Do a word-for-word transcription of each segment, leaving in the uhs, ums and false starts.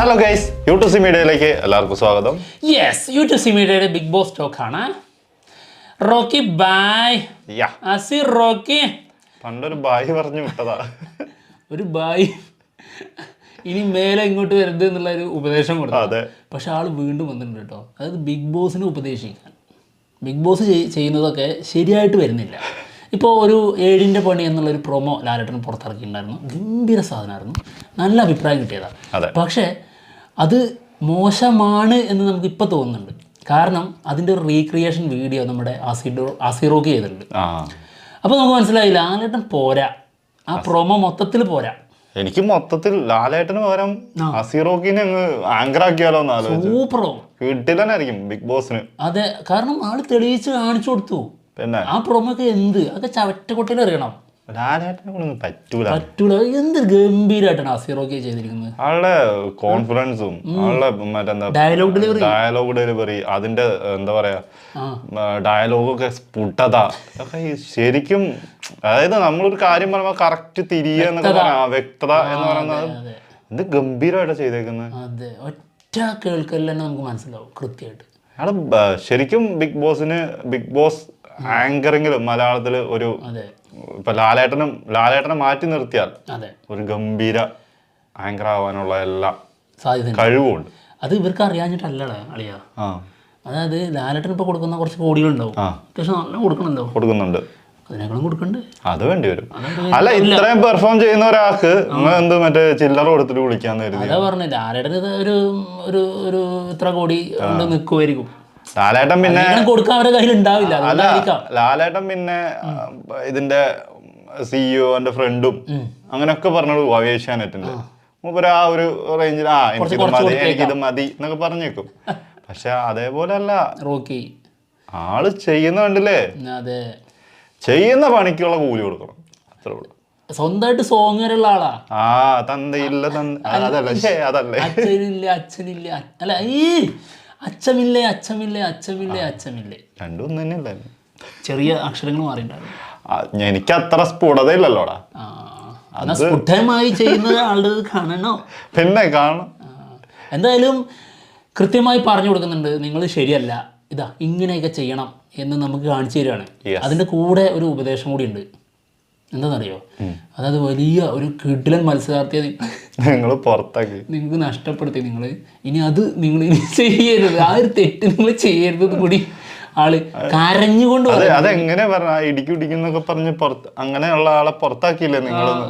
Hello guys, U two C മീഡിയയിലേക്ക് എല്ലാവർക്കും സ്വാഗതം. യെസ്, യു ടു സി മീഡിയയുടെ ബിഗ് ബോസ് ടോക്ക് ആണ്. റോക്കി ബായ്. അസിർ റോക്കി പണ്ടൊരു ബായ് പറഞ്ഞു വിട്ടതാ. ഒരു ബായ് ഇനി മേലെ ഇങ്ങോട്ട് വരരുത് എന്നുള്ള ഒരു ഉപദേശം കൊടുത്തു. പക്ഷെ ആൾ വീണ്ടും വന്നിട്ടുണ്ട് കേട്ടോ. അതായത് ബിഗ് ബോസിനെ ഉപദേശിക്കാൻ ബിഗ് ബോസ് ചെയ്യുന്നതൊക്കെ ശരിയായിട്ട് വരുന്നില്ല. ഇപ്പോൾ ഒരു ഏഴിൻ്റെ പണി എന്നുള്ളൊരു പ്രൊമോ ലാലേട്ടൻ പുറത്തിറക്കിയിട്ടുണ്ടായിരുന്നു. ഗംഭീര സാധനമായിരുന്നു, നല്ല അഭിപ്രായം കിട്ടിയതാണ്. പക്ഷേ അത് മോശമാണ് എന്ന് നമുക്കിപ്പോൾ തോന്നുന്നുണ്ട്. കാരണം അതിൻ്റെ ഒരു റീക്രിയേഷൻ വീഡിയോ നമ്മുടെ ആസിഡോ ആസിറോക്ക് ചെയ്തിട്ടുണ്ട്. അപ്പോൾ നമുക്ക് മനസ്സിലായി ലാലേട്ടൻ പോരാ, ആ പ്രൊമോ മൊത്തത്തിൽ പോരാ. എനിക്ക് മൊത്തത്തിൽ ലാലേട്ടന് പകരം അസീറോക്കിനെ അങ്ങ് ആങ്കർ ആക്കിയാലോ എന്ന് ആലോചിച്ചു. സൂപ്പറോ, വീട്ടിലായിരിക്കും ബിഗ് ബോസിന്. അതെ, കാരണം ആള് തെളിയിച്ച് കാണിച്ചു കൊടുത്തു. പിന്നെ ആ പ്രൊമോക്ക് എന്ത് അതൊക്കെ ചവറ്റക്കൊട്ടയിൽ അറിയണം. ലാലേട്ടനെ കൊണ്ടൊന്നും പറ്റൂല പറ്റൂല എന്ത് ഗംഭീരമായിട്ടാണ് അസീറോക്കെ ചെയ്തിരിക്കുന്നത്. ആളുടെ കോൺഫിഡൻസും ആളുടെ മറ്റെന്താ ഡയലോഗ് ഡെലിവറി ഡയലോഗ് ഡെലിവറി അതിന്റെ എന്താ പറയാ ഡയലോഗൊക്കെ സ്ഫുടത ഒക്കെ ശരിക്കും. അതായത് നമ്മളൊരു കാര്യം പറയുമ്പോൾ കറക്റ്റ് തിരിയുക എന്നൊക്കെ പറയാ, വ്യക്തത എന്ന് പറയുന്നത് എന്ത് ഗംഭീരമായിട്ടാണ് ചെയ്തേക്കുന്നത്. അതെ, ഒറ്റ കേൾക്കൽ തന്നെ നമുക്ക് മനസ്സിലാവും കൃത്യമായിട്ട്. ആള് ശരിക്കും ബിഗ് ബോസിന് ബിഗ് ബോസ് ആങ്കറിങ്ങിലും മലയാളത്തില് ഒരു ഇപ്പൊ ലാലേട്ടനും ലാലേട്ടനെ മാറ്റി നിർത്തിയാൽ ഒരു ഗംഭീര ആങ്കർ ആവാനുള്ള എല്ലാ സാധ്യത കഴിവുമുണ്ട്. അത് ഇവർക്ക് അറിയാഞ്ഞിട്ടല്ലേ അളിയാ. അതായത് ലാലേട്ടൻ ഇപ്പൊ കൊടുക്കുന്ന കുറച്ച് കോടികളുണ്ടാവും, പക്ഷെ നല്ല കൊടുക്കണല്ലോ, കൊടുക്കുന്നുണ്ട്, അതിനേക്കാളും കൊടുക്കണ്ട്. അത് വേണ്ടി വരും. അല്ല, ഇത്രയും പെർഫോം ചെയ്യുന്ന ഒരാൾക്ക് എന്ത് മറ്റേ ചില്ലറ കൊടുത്തിട്ട് വിളിക്കാന്ന് കരുതി. അതാ പറഞ്ഞ ലാലേട്ടൻ ഒരു ഒരു ഇത്ര കോടി കൊണ്ട് നിൽക്കുമായിരിക്കും. ലാലേട്ടൻ പിന്നെ കൊടുക്കാൻ അവരുടെ കയ്യിൽ ഉണ്ടാവില്ല. ലാലേട്ടൻ പിന്നെ ഇതിന്റെ സിഇഒന്റെ ഫ്രണ്ടും അങ്ങനെയൊക്കെ പറഞ്ഞോളൂ ഏഷ്യാനെറ്റിന്റെ മൂപ്പര് ആ ഒരു റേഞ്ചിൽ ആ എനിക്കിത് മതി എനിക്കിത് മതി എന്നൊക്കെ പറഞ്ഞേക്കും. പക്ഷെ അതേപോലെ അല്ല റോക്കി, ആള് ചെയ്യുന്ന കണ്ടില്ലേ, അതെ, ചെയ്യുന്ന പണിക്കുള്ള കൂലി കൊടുക്കണം, അത്രേ ഉള്ളൂ. സ്വന്തമായിട്ട് സോങ് വരെയുള്ള ആളാ. ആ തന്തയില്ല അതല്ലേ അതല്ലേ അച്ഛനില്ല അച്ഛനില്ല അല്ല ഈ അച്ഛമില്ലേ അച്ഛമില്ലേ അച്ഛമില്ലേ അച്ഛമില്ലേ രണ്ടും തന്നെയല്ലേ, ചെറിയ അക്ഷരങ്ങൾ മാറിയിട്ടുണ്ടായിരുന്നു. എനിക്ക് അത്ര സ്ഫുടതയില്ലല്ലോടാ. സ്ഫുടമായി ചെയ്യുന്നത് ആളുടെ കാണണോ? പിന്നെ കാണണം. എന്തായാലും കൃത്യമായി പറഞ്ഞു കൊടുക്കുന്നുണ്ട്, നിങ്ങൾ ശരിയല്ല, ഇതാ ഇങ്ങനെയൊക്കെ ചെയ്യണം എന്ന് നമുക്ക് കാണിച്ചു തരികയാണ്. അതിൻ്റെ കൂടെ ഒരു ഉപദേശം കൂടി ഉണ്ട്. എന്താണെന്നറിയോ, അതായത് വലിയ ഒരു കിടിലൻ മത്സരാർത്ഥിയെ നിങ്ങൾ പുറത്താക്കി നിങ്ങൾക്ക് നഷ്ടപ്പെടുത്തി. നിങ്ങൾ ഇനി അത് നിങ്ങൾ ഇനി ചെയ്യരുത്, ആ ഒരു തെറ്റ് നിങ്ങൾ ചെയ്യരുത് കൂടി ആള് കരഞ്ഞുകൊണ്ട്. അതെങ്ങനെ പറഞ്ഞ ഇടിക്കും ഇടിക്കുന്നൊക്കെ പറഞ്ഞ് പുറത്ത് അങ്ങനെയുള്ള ആളെ പുറത്താക്കിയില്ലേ നിങ്ങളൊന്ന്?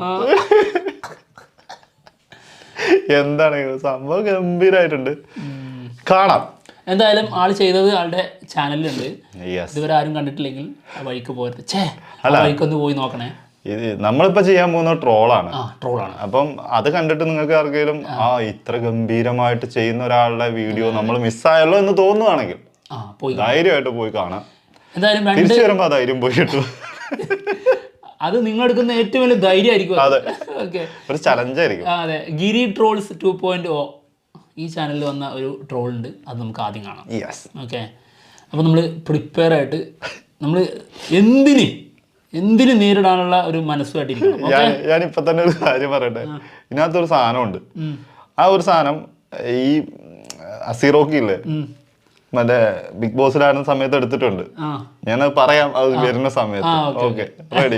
എന്താണ് സംഭവം, ഗംഭീരായിട്ടുണ്ട്, കാണാം. എന്തായാലും ആള് ചെയ്തത് ആളുടെ ചാനലിലുണ്ട്. ഇതുവരെ ആരും കണ്ടിട്ടില്ലെങ്കിൽ ആ വഴിക്ക് പോയത് ചേ ആ വഴിക്കൊന്ന് പോയി നോക്കണേ. ഇത് നമ്മളിപ്പോ ചെയ്യാൻ പോകുന്ന ട്രോളാണ് ട്രോളാണ് അപ്പം അത് കണ്ടിട്ട് നിങ്ങൾക്ക് ആർക്കെങ്കിലും ആ ഇത്ര ഗംഭീരമായിട്ട് ചെയ്യുന്ന ഒരാളുടെ വീഡിയോ നമ്മൾ മിസ്സായല്ലോ എന്ന് തോന്നുവാണെങ്കിൽ ധൈര്യമായിട്ട് പോയി കാണാം. എന്തായാലും തിരിച്ചു വരുമ്പോ ആ ധൈര്യം പോയി കിട്ടും. അത് നിങ്ങൾ എടുക്കുന്ന ഏറ്റവും വലിയ ധൈര്യമായിരിക്കും. അതെ, ഒരു ചലഞ്ചായിരിക്കും. അതെ, ഗിരി ട്രോൾസ് ടു പോയിന്റ് ഓ ഈ ചാനലിൽ വന്ന ഒരു ട്രോൾ ഉണ്ട്, അത് നമുക്ക് ആദ്യം കാണാം. ഓക്കെ, അപ്പോൾ നമ്മൾ പ്രിപ്പയർ ആയിട്ട് നമ്മൾ എന്തിന് എന്തിന് നേരിടാനുള്ള ഒരു മനസ്സുമായിട്ടിരിക്കണം. ഞാനിപ്പോ തന്നെ ഒരു കാര്യം പറയട്ടെ, ഇതിനകത്തൊരു സാധനമുണ്ട്. ആ ഒരു സാധനം ഈ അസീറോക്കി ഇല്ലേ മറ്റേ ബിഗ് ബോസിലായിരുന്ന സമയത്ത് എടുത്തിട്ടുണ്ട്. ഞാനത് പറയാം അത് വരുന്ന സമയത്ത്. Okay, ready?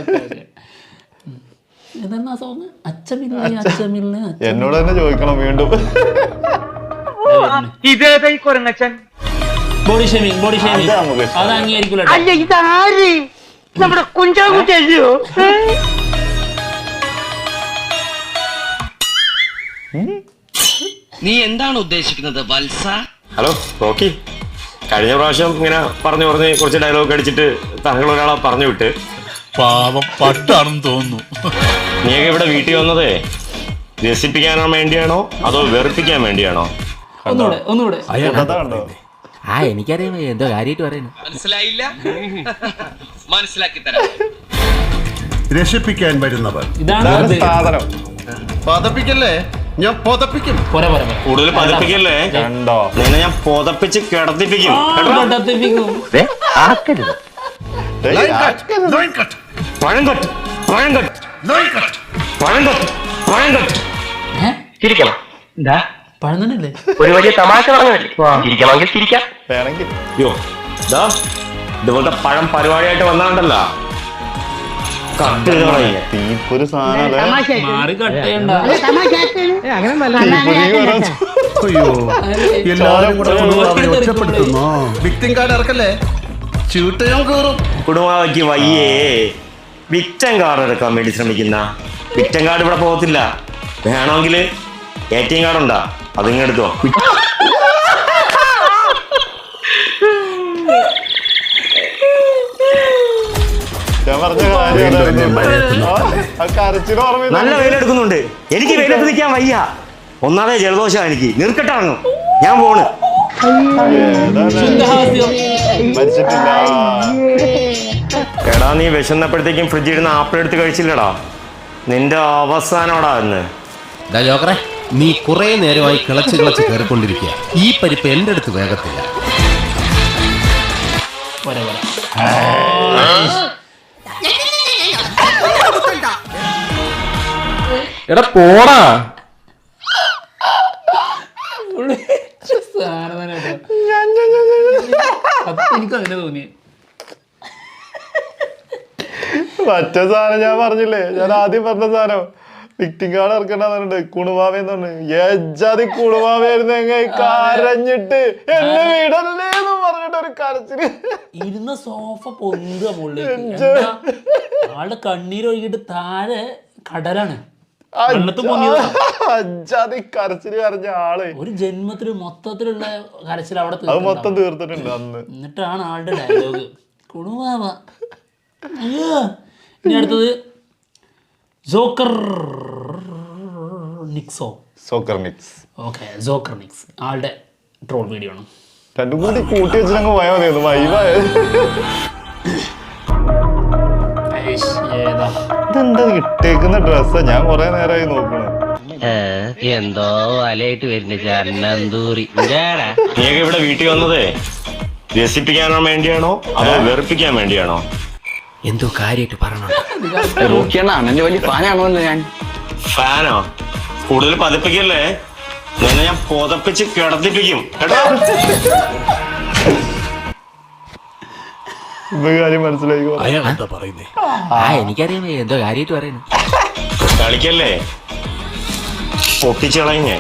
എന്നോട് തന്നെ ചോദിക്കണം വീണ്ടും. ബോഡി ഷേമിംഗ് ബോഡി ഷേമിംഗ് അത് അംഗീകരിക്കില്ല. നമ്മുടെ കുഞ്ചാകുട്ടിയോ നീ എന്താണ് ഉദ്ദേശിക്കുന്നത് വത്സ? ഹലോ റോക്കി, കഴിഞ്ഞ പ്രാവശ്യം ഇങ്ങനെ പറഞ്ഞു പറഞ്ഞ് കുറച്ച് ഡയലോഗ് അടിച്ചിട്ട് താങ്കൾ ഒരാളെ പറഞ്ഞു വിട്ട് പാവം പട്ടാണെന്ന് തോന്നുന്നു. നീയൊക്കെ ഇവിടെ വീട്ടിൽ വന്നതേ രസിപ്പിക്കാനോ വേണ്ടിയാണോ അതോ വെറുപ്പിക്കാൻ വേണ്ടിയാണോ? ഒന്നുകൂടെ ഒന്നുകൂടെ ആ എനിക്കറിയാം എന്തോ കാര്യമായിട്ട് പറയുന്നു. മനസ്സിലായില്ല, മനസ്സിലാക്കി തരാം. രക്ഷിപ്പിക്കാൻ വരുന്നവർ ഇതാണ് സാധനം. പതപ്പിക്കല്ലേ, ഞാൻ പൊതപ്പിക്കും. കൂടുതൽ പതപ്പിക്കല്ലേ, നിന്നെ ഞാൻ പൊതപ്പിച്ച് കിടത്തിപ്പിക്കും. പഴം കട്ട് പഴം കട്ട് പഴം കട്ട് പഴം കട്ട്. ചിരിക്കണം. എന്താ പഴം തന്നെയല്ലേ? ഒരു വലിയ തമാശ പറഞ്ഞല്ലേ, ചിരിക്കണമെങ്കിൽ ചിരിക്കാം. വേണമെങ്കിൽ യോ ദാ ഇതുപോലത്തെ പഴം പരിപാടിയായിട്ട് വന്നാണ്ടല്ലോ കട്ട് ചെയ്ത് കളയുക. തീപ്പൊരു സാധനം അല്ലേ? മാറി കട്ട് ചെയ്യണ്ട. തീപ്പൊരി വരാൻ അയ്യോ എല്ലാരും കൂടെ കുണുവാവയെ ഒറ്റപ്പെടുത്തുന്നോ? വിക്ടിം കാർഡ് ഇറക്കല്ലേ, ചൂട്ടയും കയറും. കുടുംബാവയ്ക്ക് വയ്യേ വിക്ടം കാർഡ് എടുക്കാൻ വേണ്ടി ശ്രമിക്കുന്ന വിക്ടം കാർഡ് ഇവിടെ പോകത്തില്ല. വേണമെങ്കിൽ എ ടി എം കാർഡ് ഉണ്ടാ, അതിങ്ങെടുത്തോ. ഞാൻ പറഞ്ഞ കാര്യം കരച്ചിന് ഓർമ്മ. നല്ല വെയിലെടുക്കുന്നുണ്ട്, എനിക്ക് വെയിലത്ത് നിൽക്കാൻ വയ്യ. ഒന്നാമതെ ജലദോഷം എനിക്ക്, നിർക്കട്ടാണോ ഞാൻ പോണ്. ശുദ്ധഹാസ്യം. മരിച്ചിട്ടില്ല. എടാ നീ വിശന്നപ്പോഴത്തേക്കും ഫ്രിഡ്ജിൽ ഇരുന്ന് ആപ്പിൾ എടുത്ത് കഴിച്ചില്ലടാ, നിന്റെ അവസാനോടാ എന്ന്. ജോക്കറെ, നീ കുറെ നേരമായി കിളച്ച് കിളച്ച് കയറിക്കൊണ്ടിരിക്കുക. ഈ പരിപ്പ് എന്റെ അടുത്ത് വേഗത്തില്ല. പോരെ, പോരെ. എടാ പോടാ. പുള്ളി സാധനം തന്നെ കേട്ടോ. സത്യം എനിക്ക് അങ്ങനെ തോന്നി. മറ്റേ സാധനം ഞാൻ പറഞ്ഞില്ലേ, ഞാൻ ആദ്യം പറഞ്ഞ സാധനം വിക്ടിം കാർഡ് ഇറക്കണ്ടെന്നുണ്ട്. കുണുവാവെന്ന് പറഞ്ഞു ഏജാതി കുണുവാവായിരുന്നു. എങ്ങനെ കരഞ്ഞിട്ട് എന്നെ വീടല്ലേ എന്ന് പറഞ്ഞിട്ട് ഒരു കരച്ചില്. ഇരുന്ന സോഫ പൊന്തുക മുകളിലേക്ക്. ആളുടെ കണ്ണീരൊഴുകിട്ട് താഴെ കടലാണ്. അജാതി കരച്ചില് കരഞ്ഞ ആള് ഒരു ജന്മത്തില് മൊത്തത്തിലുള്ള കരച്ചിൽ അവിടെ അത് മൊത്തം തീർത്തിട്ടുണ്ട് അന്ന്. എന്നിട്ടാണ് ആളുടെ ഡയലോഗ് കുണുവാവ. അയ്യോ. ഇനി അടുത്തത് ജോക്കർ നിക്സോ. Soccer mix. Okay, joker Nix ആളുടെ ട്രോൾ വീഡിയോ ആണ്. രണ്ടും കൂടി കൂട്ടി വെച്ചിട്ടങ്ങ് പോയാൽ മതിയായിരുന്നു. വൈവായത് ഏതാ ഇതെന്താ ഇട്ടേക്കുന്ന ഡ്രസ്സാ? ഞാൻ കൊറേ നേരമായി നോക്കണു. എന്തോ വലയിട്ട് വരുന്ന ചന്നന്തൂറി. നീയൊക്കെ ഇവിടെ വീട്ടിൽ വന്നതേ രസിപ്പിക്കാനോ വേണ്ടിയാണോ അതോ വെറുപ്പിക്കാൻ വേണ്ടിയാണോ? എന്തോ കാര്യമായിട്ട് പറയണോ? അണ്ണന്റെ വലിയ ഫാനാണോ ഞാൻ? ഫാനോ? കൂടുതൽ പതിപ്പിക്കല്ലേ, നിന്നെ ഞാൻ പുതപ്പിച്ച് കിടത്തിപ്പിക്കും കേട്ടോ. ഇപ്പൊ കാര്യം മനസ്സിലായി. ആ എനിക്കറിയാം എന്തോ കാര്യമായിട്ട് പറയുന്നു. കളിക്കല്ലേ, പൊട്ടിച്ച് കളഞ്ഞേ.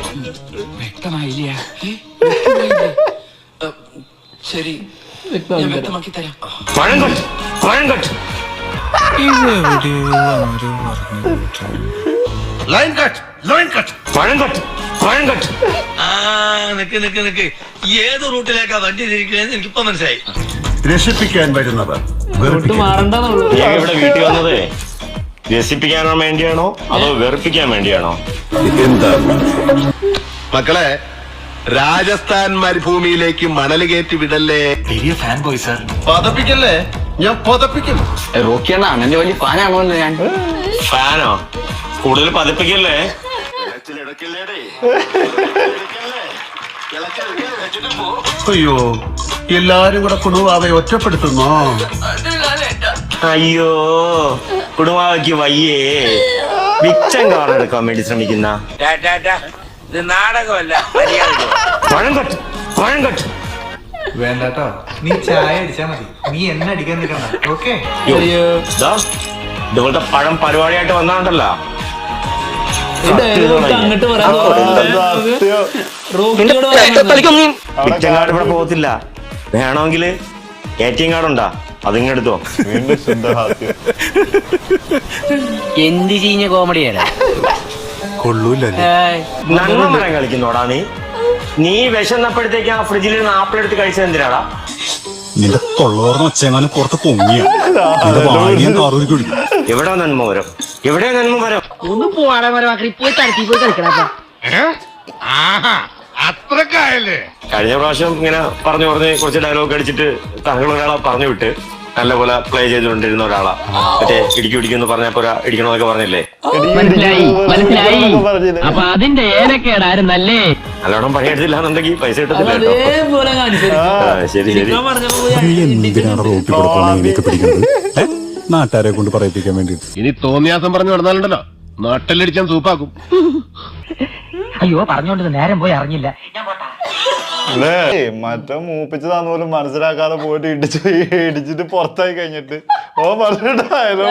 പഴം കട്ട്, പഴം cut. Line cut, line cut. പഴം കട്ട്, പഴം കട്ട്. ആ നിക്ക് നിക്ക് നിക്ക്, ഏത് റൂട്ടിലേക്കാ വണ്ടി തിരിക്കണേന്ന് എനിക്കിപ്പോ മനസ്സിലായി. രക്ഷിപ്പിക്കാൻ വരുന്നവർ ഒട്ടും വെറുപ്പിക്കും. മാറണ്ടെന്നുള്ളൂ. നീയൊക്കെ ഇവിടെ വീട്ടിൽ വന്നതേ രസിപ്പിക്കാനോ വേണ്ടിയാണോ അതോ വെറുപ്പിക്കാൻ വേണ്ടിയാണോ? എന്താ മക്കളെ, രാജസ്ഥാൻ മരുഭൂമിയിലേക്ക് മണൽ കയറ്റി വിടല്ലേ. വലിയ ഫാൻ ബോയ് സാർ. പതപ്പിക്കല്ലേ, ഞാൻ പതപ്പിക്കും. റോക്കിയാണ് അണ്ണന്റെ വലിയ ഫാനാണോ ഞാൻ? ഫാനോ? കൂടുതൽ പതിപ്പിക്കല്ലേ. അയ്യോ എല്ലാരും കൂടെ കുണുവാവയെ ഒറ്റപ്പെടുത്തുന്നോ? അയ്യോ കുടുംബാവയ്ക്ക് വയ്യേ വിക്ടം കാർഡ് എടുക്കാൻ വേണ്ടി ശ്രമിക്കുന്ന ഇത് നാടകമല്ല. പഴം കട്ട്, പഴം കട്ട്. വേണ്ടട്ടോ, നീ ചായ അടിച്ചാ മതി, നീ എന്നെ അടിക്കാൻ നിൽക്കണ്ട. ഓക്കെ, ഇതുപോലത്തെ പഴം പരിപാടിയായിട്ട് വന്നാണ്ടല്ലോ അങ്ങോട്ട് പറയാൻ സത്യം. റോക്കിയോട് പറയാൻ വിക്ടം കാർഡ് ഇവിടെ പോകത്തില്ല. വേണമെങ്കിൽ എ ടി എം കാർഡ് ഉണ്ടാ, അതിങ്ങെടുത്തോ. വീണ്ടും ശുദ്ധഹാസ്യം. എന്ത് ചീഞ്ഞ കോമഡിയാണ്. നന്മ മരം കളിക്കുന്നോടാ നീ. നീ വിശന്നപ്പോഴത്തേക്ക് ആ ഫ്രിഡ്ജിൽ നിന്ന് ആപ്പിൾ എടുത്ത് കഴിച്ചത് എന്തിനാടാ? നിന്റെ തൊള്ളോർന്ന് വെച്ചെങ്ങാനും പുറത്ത് പൊങ്ങിയ എവിടെ നന്മ വരും, എവിടെ നന്മ വരും? ഒന്ന് പോവാടെ മരമാക്കി പോയി തരത്തി പോയി കളിക്കണ. അത്രക്കായല്ലേ? കഴിഞ്ഞ പ്രാവശ്യം ഇങ്ങനെ പറഞ്ഞു പറഞ്ഞ് കുറച്ച് ഡയലോഗ് അടിച്ചിട്ട് താങ്കൾ ഒരാളെ പറഞ്ഞു വിട്ട് നല്ലപോലെ പ്ലേ ചെയ്തുകൊണ്ടിരുന്ന ഒരാളാ. മറ്റേ ഇടിക്കും ഇടിക്കുമെന്ന് പറഞ്ഞപ്പോ ഇടിക്കണമെന്നൊക്കെ പറഞ്ഞില്ലേ? മനസ്സിലായി മനസ്സിലായി. അപ്പൊ അതിന്റെ ഏനക്കേടായിരുന്നല്ലേ? നല്ലോണം പണിയെടുത്തില്ല എന്നുണ്ടെങ്കിൽ പൈസ കിട്ടത്തില്ല കേട്ടോ. അതേപോലെ കാണിച്ചു. ആ, ശരി ശരി. നാട്ടുകാരെ കൊണ്ട് പറയിപ്പിക്കാൻ വേണ്ടി ഇനി തോന്നിയാസം പറഞ്ഞു നടന്നാലുണ്ടല്ലോ നാട്ടിലടിച്ചാൻ സൂപ്പാക്കും. അയ്യോ പറഞ്ഞോണ്ട് നേരം പോയി അറിഞ്ഞില്ല. അല്ലേ മറ്റേ മൂപ്പിച്ചതാന്ന് പോലും മനസ്സിലാക്കാതെ പോയിട്ട് ഇടിച്ച് ഇടിച്ചിട്ട് പുറത്തായി കഴിഞ്ഞിട്ട് ഓ പറഞ്ഞിട്ടായാലോ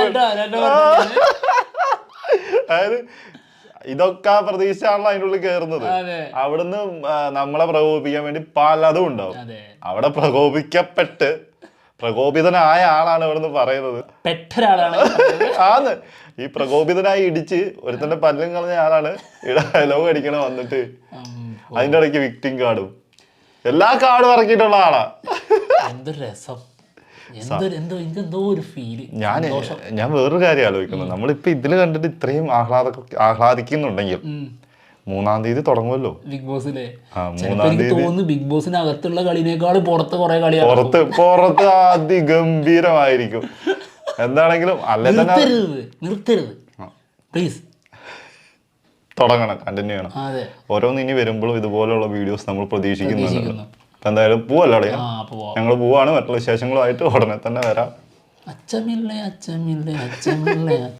അതായത് ഇതൊക്കെ ആ പ്രതീക്ഷയാണല്ലോ അതിൻ്റെ ഉള്ളിൽ കയറുന്നത്. അവിടുന്ന് നമ്മളെ പ്രകോപിപ്പിക്കാൻ വേണ്ടി പലതും ഉണ്ടാവും. അവിടെ പ്രകോപിക്കപ്പെട്ട് പ്രകോപിതനായ ആളാണ് ഇവിടുന്ന് പറയുന്നത്. ആന്ന് ഈ പ്രകോപിതനായി ഇടിച്ച് ഒരുത്തന്റെ പല്ലും കളഞ്ഞ ആളാണ് ഇവിടെ ഡയലോഗ് അടിക്കണ വന്നിട്ട് അതിന്റെ ഇടയ്ക്ക് വിക്ടിം കാർഡും എല്ലാ കാർഡും ഇറക്കിയിട്ടുള്ള ആളാ. എന്തൊരു രസം, എന്തോ ഒരു ഫീല്. ഞാൻ ഞാൻ വേറൊരു കാര്യം ആലോചിക്കുന്നു. നമ്മളിപ്പോ ഇതില് കണ്ടിട്ട് ഇത്രയും ആഹ്ലാദ ആഹ്ലാദിക്കുന്നുണ്ടെങ്കിൽ മൂന്നാം തീയതി തുടങ്ങുമല്ലോ ബിഗ് ബോസിലെ. മൂന്നാം തീയതി തോന്നുന്നു ബിഗ് ബോസിനകത്തുള്ള കളിനേക്കാൾ പുറത്ത് കുറെ കളി പുറത്ത് പുറത്ത് അതിഗംഭീരമായിരിക്കും. എന്താണെങ്കിലും അല്ലെ തന്നെ നിർത്തരുത് പ്ലീസ്, തുടങ്ങണം, കണ്ടിന്യൂ ചെയ്യണം. ഓരോന്ന് ഇനി വരുമ്പോഴും ഇതുപോലുള്ള വീഡിയോസ് നമ്മൾ പ്രതീക്ഷിക്കുന്നുണ്ട്. എന്തായാലും പോവല്ലോ അവിടെ, ഞങ്ങൾ പോവാണ്. മറ്റുള്ള വിശേഷങ്ങളുമായിട്ട് ഉടനെ തന്നെ വരാം. അച്ചമില്ലേ അച്ചമില്ലേ അച്ചമില്ലേ